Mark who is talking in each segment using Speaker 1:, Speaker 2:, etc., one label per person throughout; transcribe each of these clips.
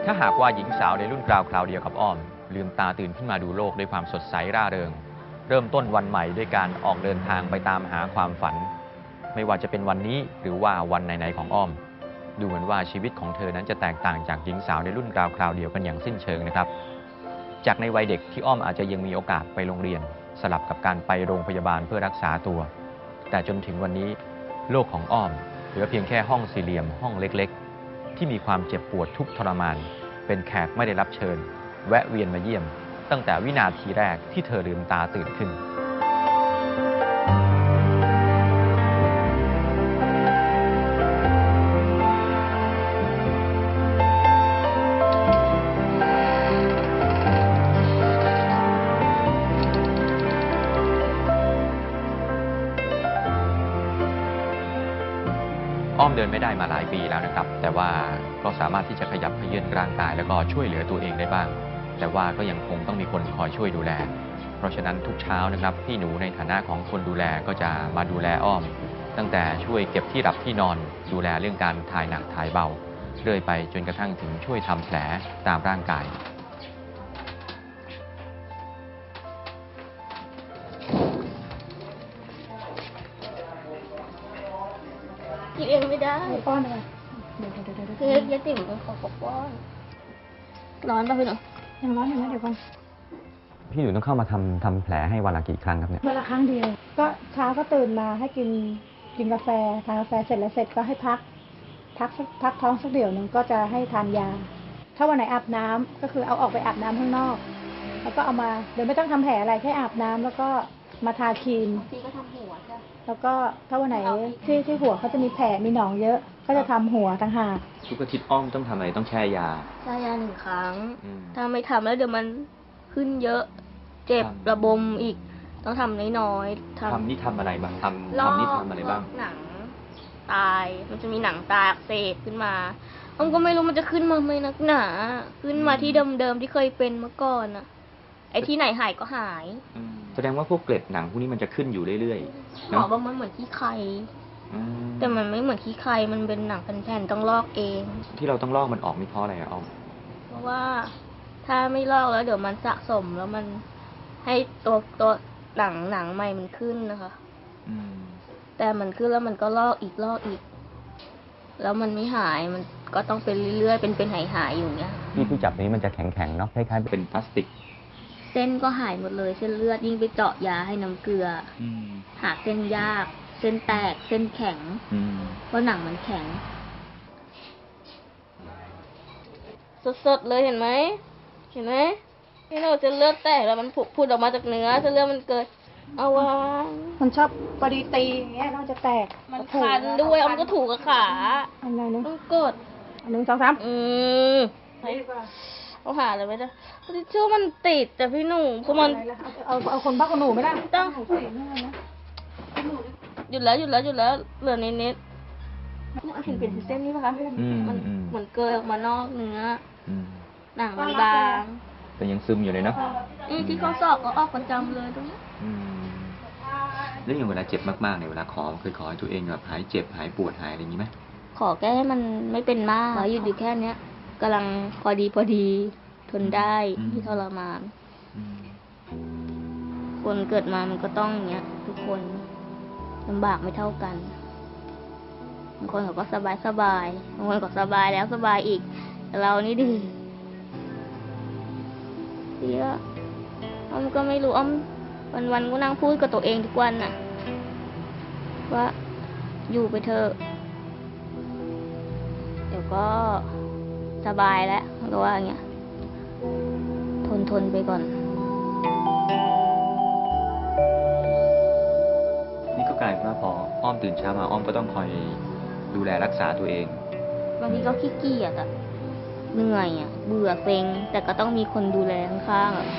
Speaker 1: ถ้าหากว่าหญิงสาวในรุ่นราวคราวเดียวกับอ้อมลืมตาตื่นขึ้นมาดูโลกด้วยความสดใสร่าเริงเริ่มต้นวันใหม่ด้วยการออกเดินทางไปตามหาความฝันไม่ว่าจะเป็นวันนี้หรือว่าวันไหนๆของอ้อมดูเหมือนว่าชีวิตของเธอนั้นจะแตกต่างจากหญิงสาวในรุ่นราวคราวเดียวกันอย่างสิ้นเชิงนะครับจากในวัยเด็กที่อ้อมอาจจะยังมีโอกาสไปโรงเรียนสลับกับการไปโรงพยาบาลเพื่อรักษาตัวแต่จนถึงวันนี้โลกของอ้อมเหลือเพียงแค่ห้องสี่เหลี่ยมห้องเล็กๆที่มีความเจ็บปวดทุกข์ทรมานเป็นแขกไม่ได้รับเชิญแวะเวียนมาเยี่ยมตั้งแต่วินาทีแรกที่เธอลืมตาตื่นขึ้นอ้อมเดินไม่ได้มาหลายปีแล้วนะครับแต่ว่าก็สามารถที่จะขยับเขยื้อนร่างกายแล้วก็ช่วยเหลือตัวเองได้บ้างแต่ว่าก็ยังคงต้องมีคนคอยช่วยดูแลเพราะฉะนั้นทุกเช้านะครับพี่หนูในฐานะของคนดูแลก็จะมาดูแลอ้อมตั้งแต่ช่วยเก็บที่หลับที่นอนดูแลเรื่องการถ่ายหนักถ่ายเบาเรื่อยไปจนกระทั่งถึงช่วยทำแผลตามร่างกาย
Speaker 2: กินเองไม่ได้
Speaker 3: ป้อนอะไร
Speaker 2: คือยาติ๋มเป็นของป้อนร้อนป่ะพี่หนู
Speaker 3: ยังร้อนอยู่นะเดี๋ยวก่อน
Speaker 1: พี่หนูต้องเข้ามาทำแผลให้วันละกี่ครั้งครับเนี่ย
Speaker 3: วันละครั้งเดียวก็เช้าก็ตื่นมาให้กินกาแฟทานกาแฟเสร็จแล้วเสร็จก็ให้พักท้องสักเดี๋ยวนึงก็จะให้ทานยาถ้าวันไหนอาบน้ำก็คือเอาออกไปอาบน้ำข้างนอกแล้วก็เอามาเดี๋ยวไม่ต้องทำแผลอะไรแค่อาบน้ำแล้วก็มาทาครีม
Speaker 2: พี่ก็ทำหัวจ้ะ
Speaker 3: แล้วก็ถ้าวันไหนที่หัวเขาจะมีแผลมีหนองเยอะก็จะทำหัวต่างหาก
Speaker 1: ทุกอาทิตย์อ้อมต้องทำอะไรต้องแช่ยา
Speaker 2: 1 ครั้งถ้าไม่ทำแล้วเดี๋ยวมันขึ้นเยอะเจ็บระบมอีกต้องทำน้อยๆ
Speaker 1: ทำนี่ทำอะไรบ้างทำนี่ทำอะไรบ้าง
Speaker 2: หนังตายมันจะมีหนังตายอักเสบขึ้นมาอ้อมก็ไม่รู้มันจะขึ้นมาไหมนักหนาขึ้นมาที่เดิมๆที่เคยเป็นเมื่อก่อนอะไอ้ที่ไหนหายก็หาย
Speaker 1: แสดงว่าพวกเกล็ดหนังพวกนี้มันจะขึ้นอยู่เรื่อย
Speaker 2: ๆหมอบอกมันเหมือนขี้ไคแต่มันไม่เหมือนขี้ไคมันเป็นหนังแผ่นๆต้องลอกเอง
Speaker 1: ที่เราต้องลอกมันออกนี่เพราะอะไรอะอ้อม
Speaker 2: เพราะว่าถ้าไม่ลอกแล้วเดี๋ยวมันสะสมแล้วมันให้ตัวหนังใหม่มันขึ้นนะคะแต่มันขึ้นแล้วมันก็ลอกอีกแล้วมันไม่หายมันก็ต้องเป็นเรื่อยๆเป็นหายอยู่เงี้ย
Speaker 1: ที่จับนี้มันจะแข็งๆเนาะคล้ายๆเป็นพลาสติก
Speaker 2: เส้นก็หายหมดเลยเส้นเลือดยิ่งไปเจาะยาให้น้ำเกลือหาเส้นยากเส้นแตกเส้นแข็งเพราะหนังมันแข็งสดๆเลยเห็นไหมนี่เราจะเลือดแตกแล้วมันผุดออกมาจากเนื้อจะเลือดมันเกิดเอาวะ
Speaker 3: มันชอบพอดีตีอย่างเงี้ยน่าจะแตก
Speaker 2: มันคันด้วยเอามันก็ถูกกับขา
Speaker 3: อะไรนะ
Speaker 2: ต้องกด
Speaker 3: 1 2 3
Speaker 2: เอาหาเลยไหมจ๊ะทิชชู่มันติดแต่พี่หนูคือมัน
Speaker 3: เอาคนบ้าคนหนูไม่ได้
Speaker 2: ต้องหยุดแล้วเหลือนิดเห็นเป็นเส้นนี้ป่ะคะมันเหมือนเกยออกมานอกเนื้อหนังมันบาง
Speaker 1: แต่ยังซึมอยู่เลยเนาะ
Speaker 2: ที่เขาสอบก็ออกประจำเลยตรงนี้
Speaker 1: แล้วอย่างเวลาเจ็บมากๆเนี่ยเวลาเคยขอให้ตัวเองแบบหายเจ็บหายปวดหายอะไรอย่างนี้ไหม
Speaker 2: ขอแค่ให้มันไม่เป็นมากหยุดอยู่แค่เนี้ยกำลังพอดีทนได้ที่ทรมานคนเกิดมามันก็ต้องอย่างเงี้ยทุกคนลำบากไม่เท่ากันบางคนเขาก็สบายบางคนก็สบายแล้วสบายอีกแต่เรานี่ดิอ้อมก็ไม่รู้อ้อมวันก็นั่งพูดกับตัวเองทุกวันน่ะว่าอยู่ไปเถอะเดี๋ยวก็สบายแล้วก็ว่าอย่างเงี้ยทนไปก่อน
Speaker 1: นี่ก็กลายเป็นว่าพออ้อมตื่นเช้ามาอ้อมก็ต้องคอยดูแลรักษาตัวเอง
Speaker 2: บางทีก็ขี้เกียจอะเหนื่อยอะเบื่อเซ็งแต่ก็ต้องมีคนดูแลข้างๆอะ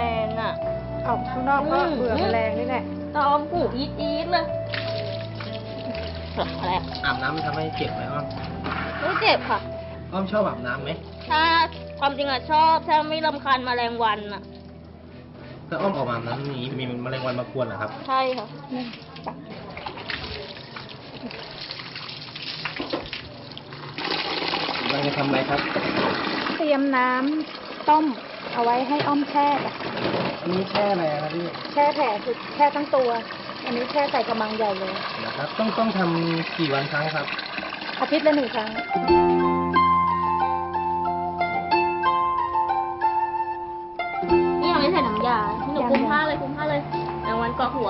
Speaker 2: งอ่ะ
Speaker 3: ออกข้างนอกก็เบื่อแมลงนี่แหละ
Speaker 2: ตอมหูอีดเลยอะไร
Speaker 4: อาบน้ำมันทำให้เจ็บไหมอ้อม
Speaker 2: ไม่เจ็บค่ะ
Speaker 4: อ้อมชอบอาบน้ำไหม
Speaker 2: ถ้าความจริงอะชอบถ้าไม่รำคาญแมลงวันอะ
Speaker 4: ถ้าอ้อมออกมาอาบน้ำนี้มีแมลงวันมากวนเหรอครับ
Speaker 2: ใช่ค่ะ
Speaker 4: เราจะทำอะไรครับ
Speaker 3: เตรียมน้ำต้มเอาไว้ให้อ้อมแช่จ้ะ
Speaker 4: อันนี้แช่อะไรครับพี่
Speaker 3: แช่แผลคือแช่ทั้งตัว อันนี้แช่ใส่กระมังใหญ่เลย
Speaker 4: นะครับ ต้องทำกี่วันครั้งครับ
Speaker 3: อาทิตย์ละ1 ครั้ง
Speaker 2: นี่ยังไม่ใส่น้ำยาให้หนูคุมผ้าเลยแมลงวันเกาะหัว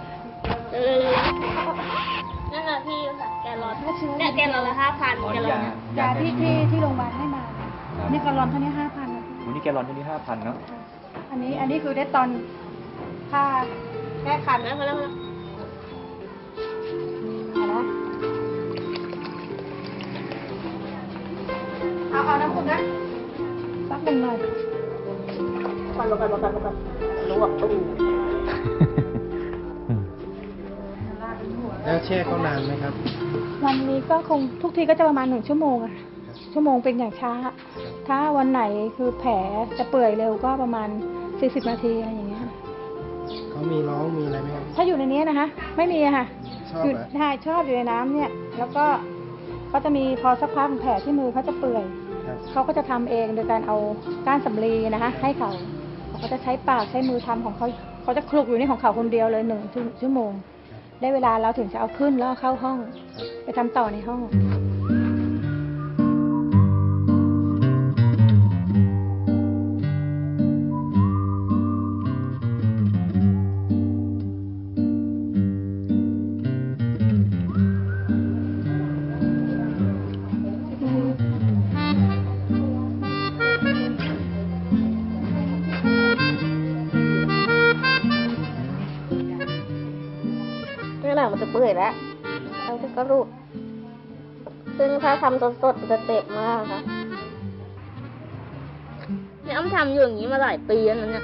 Speaker 2: นั่นแหละพี่ค่ะแกรอนเนี่ยแกรอนละ5,000แกรอนเนี่ย
Speaker 3: ยาที่โรงพยาบาลให้มานี่กระลอนเท่านี้5,000นะ
Speaker 1: วันนี้แกลลอนที่นี่5,000เนาะ
Speaker 3: อันนี้คือได้ตอนค่าแก้คัน
Speaker 2: แล้วพอแล้ว
Speaker 3: นะเอาน้ำคุณนะสัก1 หน่อย
Speaker 2: กันลวกตู้
Speaker 4: แล้วแช่เขานานไหมครับ
Speaker 3: วันนี้ก็คงทุกทีก็จะประมาณ1 ชั่วโมงอะชั่วโมงเป็นอย่างช้า ถ้าวันไหนคือแผลจะเปื่อยเร็วก็ประมาณ40 นาทีอะไรอย่างเงี้ย
Speaker 4: เขามีร้องมีอะไรไหมครับ
Speaker 3: ถ้าอยู่ในนี้นะคะไม่มีอะค่ะ
Speaker 4: ชอบ
Speaker 3: อยู่
Speaker 4: เหรอ
Speaker 3: ใช่ชอบอยู่ในน้ำเนี่ย แล้วก็เขาจะมีพอสักพักแผลที่มือเขาจะเปื่อย
Speaker 4: ครับ
Speaker 3: เขาก็จะทำเองโดยการเอาก้านสำลีนะคะให้เขาเขาจะใช้ปากใช้มือทำของเขาเขาจะคลุกอยู่นี่ของเขาคนเดียวเลย1 ชั่วโมง ได้เวลาเราถึงจะเอาขึ้นแล้วเอาเข้าห้อง ไปทำต่อในห้อง
Speaker 2: นี่แหละมันจะเปื่อยแล้วแล้วก็รูดซึ่งถ้าทำสดๆมันจะเจ็บมากค่ะเนี่ยอ้ำทำอยู่อย่างนี้มาหลายปีแล้วนะเนี่ย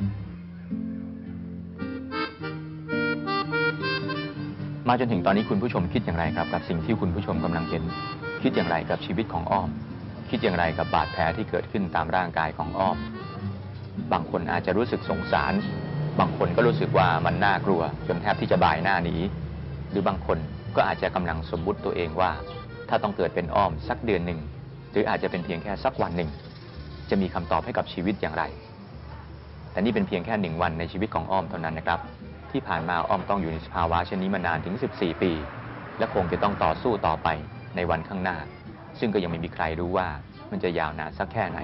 Speaker 1: มาจนถึงตอนนี้คุณผู้ชมคิดอย่างไรครับกับสิ่งที่คุณผู้ชมกำลังเห็น คิดอย่างไรกับชีวิตของอ้อม คิดอย่างไรกับบาดแผลที่เกิดขึ้นตามร่างกายของอ้อม บางคนอาจจะรู้สึกสงสาร บางคนก็รู้สึกว่ามันน่ากลัวจนแทบที่จะบ่ายหน้าหนีหรือบางคนก็อาจจะกำลังสมมุติตัวเองว่า ถ้าต้องเกิดเป็นอ้อมสักเดือนหนึ่งหรืออาจจะเป็นเพียงแค่สักวันหนึ่งจะมีคำตอบให้กับชีวิตอย่างไร แต่นี่เป็นเพียงแค่1 วันในชีวิตของอ้อมเท่านั้นนะครับที่ผ่านมาอ้อมต้องอยู่ในสภาวะเช่นนี้มานานถึง14 ปี และคงจะต้องต่อสู้ต่อไปในวันข้างหน้า ซึ่งก็ยังไม่มีใครรู้ว่ามันจะยาวนานสักแค่ไหน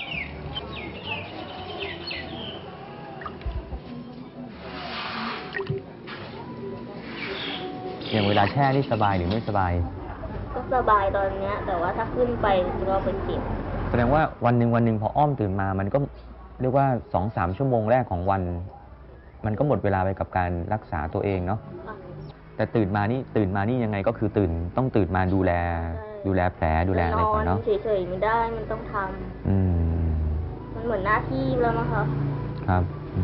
Speaker 1: อย่างเวลาแช่นี่สบายหรือไม่สบาย
Speaker 2: ก็สบายตอนเนี้ย แต่ว่าถ้าขึ้นไปเราเป็นเจ็บ
Speaker 1: แสดงว่าวันหนึ่งพออ้อมตื่นมามันก็เรียกว่า 2-3 ชั่วโมงแรกของวัน มันก็หมดเวลาไปกับการรักษาตัวเองเนาะ แต่ตื่นมานี่ยังไงก็คือต้องตื่นมาดูแลแผลดูแลอะไรก่อนเนาะ
Speaker 2: เฉยๆไม่ได้มันต้องทำมันเหมือนหน้าที่แล้วนะคะ
Speaker 1: ครับ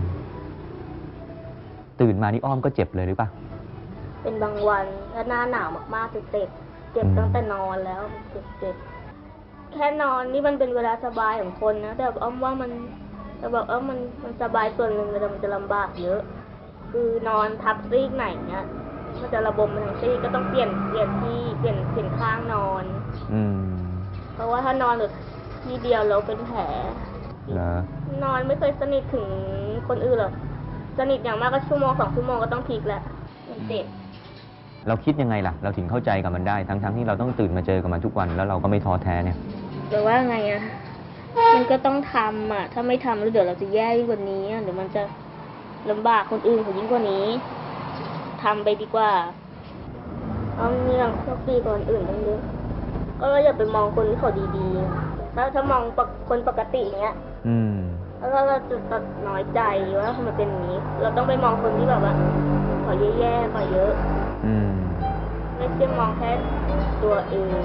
Speaker 1: ตื่นมานี่อ้อมก็เจ็บเลยหรือเปล่า
Speaker 2: เป็นบางวันถ้าหน้าหนาวมากๆจะเจ็บตั้งแต่นอนแล้วเจ็บแค่นอนนี่มันเป็นเวลาสบายของคนนะแต่อ้อมว่ามันแต่บอกมันสบายส่วนหนึ่งแต่มันจะลำบากเยอะ คือนอนทับซีกไหนเนี้ยมันจะระบมไปทั้งซีกก็ต้องเปลี่ยนที่เปลี่ยนข้างนอน เพราะว่าถ้านอนหรือที่เดียวเราเป็นแผล นอนไม่เคยสนิทถึงคนอื่นหรอกสนิทอย่างมากก็ชั่วโมง2 ชั่วโมงก็ต้องพลิกแล้วมันเจ็บ
Speaker 1: เราคิดยังไงล่ะ เราถึงเข้าใจกับมันได้ทั้งที่เราต้องตื่นมาเจอกับมันทุกวันแล้วเราก็ไม่ท้อแท้เนี่ย
Speaker 2: หรือว่าไงอะมันก็ต้องทำอะถ้าไม่ทำแล้วเดี๋ยวเราจะแย่ยิ่งกว่านี้เดี๋ยวมันจะลำบากคนอื่นเขายิ่งกว่านี้ทำไปดีกว่าเอาเรื่องโชคดีกว่าคนอื่นตั้งเยอะก็อย่าไปมองคนที่เขาดีๆถ้ามองคนปกติอย่างเงี้ยแล้วเราจะน้อยใจว่าทำไมเป็นอย่างนี้ เราต้องไปมองคนที่แบบว่าเขาแย่ๆกว่าเยอะไม่ใช่มองแค่ตัวเอง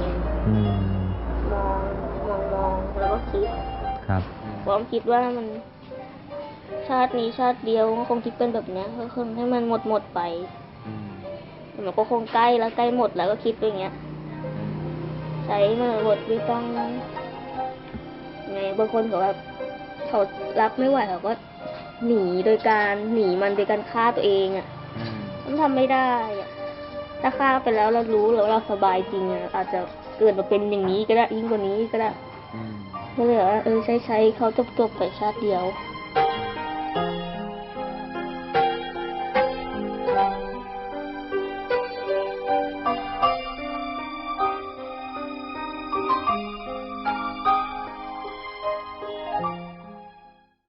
Speaker 2: มองแล้วก็คิด
Speaker 1: ครับ
Speaker 2: ผมคิดว่ามันชาตินี้ชาติเดียวก็คงคิดเป็นแบบเนี้ยก็คงให้มันหมดไป
Speaker 1: อืม
Speaker 2: มันก็คงใกล้แล้วใกล้หมดแล้วก็คิดไปอย่างเงี้ย
Speaker 1: อืม
Speaker 2: ใช้มาบทไม่ต้องไงบางคนเขาแบบเขารับไม่ไหวเขาก็หนีโดยการหนีมันโดยการฆ่าตัวเองอ่ะ
Speaker 1: อืม
Speaker 2: มันทำไม่ได้อ่ะถ้าฆ่าไปแล้วเรารู้แล้วเราสบายจริงอ่ะอาจจะเกิดมาเป็นอย่างนี้ก็ได้ยิ่งกว่านี้ก็ได้
Speaker 1: อืม
Speaker 2: ก็เลยว่าใช้เขาจบๆไปชาติเดียว